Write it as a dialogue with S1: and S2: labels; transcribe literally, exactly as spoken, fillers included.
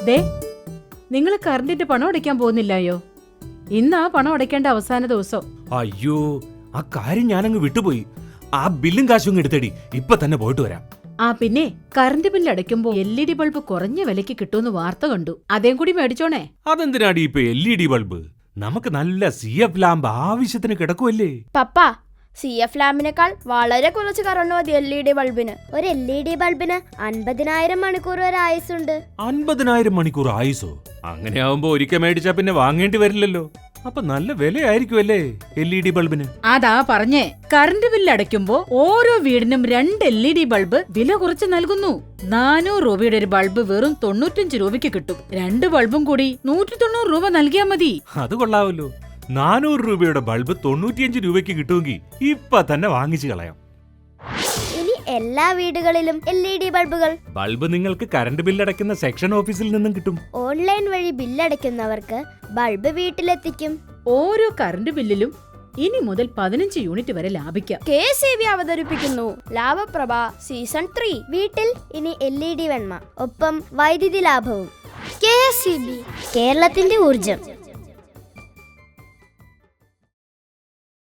S1: ദേ, നിങ്ങൾ കറണ്ടിന്റെ പണം അടയ്ക്കാൻ പോകുന്നില്ലയോ? ഇന്നാ പണം അടയ്ക്കേണ്ട അവസാന ദിവസം.
S2: അയ്യോ, ആ കാര്യം ഞാനങ്ങ് വിട്ടുപോയി. ആ ബില്ലും കാശും എടുത്തടി, ഇപ്പൊ തന്നെ പോയിട്ട് വരാം.
S1: ആ പിന്നെ കറണ്ട് ബില്ല് അടയ്ക്കുമ്പോ എൽ ഇ ഡി ബൾബ് കുറഞ്ഞ വിലക്ക് കിട്ടുമെന്ന് വാർത്ത കണ്ടു. അതേം കൂടി മേടിച്ചോണേ.
S2: അതെന്തിനാടി ഇപ്പൊ എൽ ഇ ഡി ബൾബ്? നമുക്ക് നല്ല സി എഫ് ലാമ്പ് ആവശ്യത്തിന് കിടക്കുമല്ലേ.
S3: പപ്പ, സി എഫ് ലാമ്പിനേക്കാൾ വളരെ കുറച്ച് കറണ്ട് മതി എൽ ഇ ഡി ബൾബിന്.
S4: ഒരു എൽ ഇ ഡി ബൾബിന് അൻപതിനായിരം മണിക്കൂർ വരെ ആയുസുണ്ട്.
S2: അൻപതിനായിരം മണിക്കൂർ ആയുസോ? അങ്ങനെയാവുമ്പോ ഒരിക്കൽ മേടിച്ചാ പിന്നെ വാങ്ങേണ്ടി വരില്ലല്ലോ. അപ്പൊ നല്ല വിലയായിരിക്കുമല്ലേ എൽ ഇ ഡി ബൾബിന്?
S1: അതാ പറഞ്ഞേ, കറണ്ട് ബില്ല് അടയ്ക്കുമ്പോ ഓരോ വീടിനും രണ്ട് എൽ ഇ ഡി ബൾബ് വില കുറച്ച് നൽകുന്നു. നാനൂറ് രൂപയുടെ ഒരു ബൾബ് വെറും തൊണ്ണൂറ്റഞ്ച് രൂപയ്ക്ക് കിട്ടും. രണ്ട് ബൾബും കൂടി നൂറ്റി തൊണ്ണൂറ് രൂപ നൽകിയാ മതി.
S2: അത് കൊള്ളാവല്ലോ. നാനൂറ് രൂപയുടെ ബൾബ് തൊണ്ണൂറ്റിയഞ്ച് രൂപയ്ക്ക് കിട്ടുമെങ്കിൽ ഇപ്പൊ തന്നെ വാങ്ങിച്ചു കളയാം.
S4: ഇനി എല്ലാ വീടുകളിലും എൽ ഇ ഡി ബൾബുകൾ.
S2: ബൾബ് നിങ്ങൾക്ക് കറണ്ട് ബില്ലടയ്ക്കുന്ന സെക്ഷൻ ഓഫീസിൽ നിന്നും കിട്ടും.
S4: ഓൺലൈൻ വഴി ബില്ലടയ്ക്കുന്നവർക്ക് ബൾബ് വീട്ടിലെത്തിക്കും.
S1: ഓരോ കറണ്ട് ബില്ലിലും ഇനി മുതൽ പതിനഞ്ച് യൂണിറ്റ് വരെ ലാഭിക്കാം.
S3: കെ എസ് ഇ ബി അവതരിപ്പിക്കുന്നു ലാഭപ്രഭ സീസൺ ത്രീ.
S4: വീട്ടിൽ ഇനി എൽ ഇ ഡി വെണ്മ, ഒപ്പം വൈദ്യുതി ലാഭവും.
S3: കെ എസ് ഇ ബി,
S4: കേരളത്തിന്റെ ഊർജം.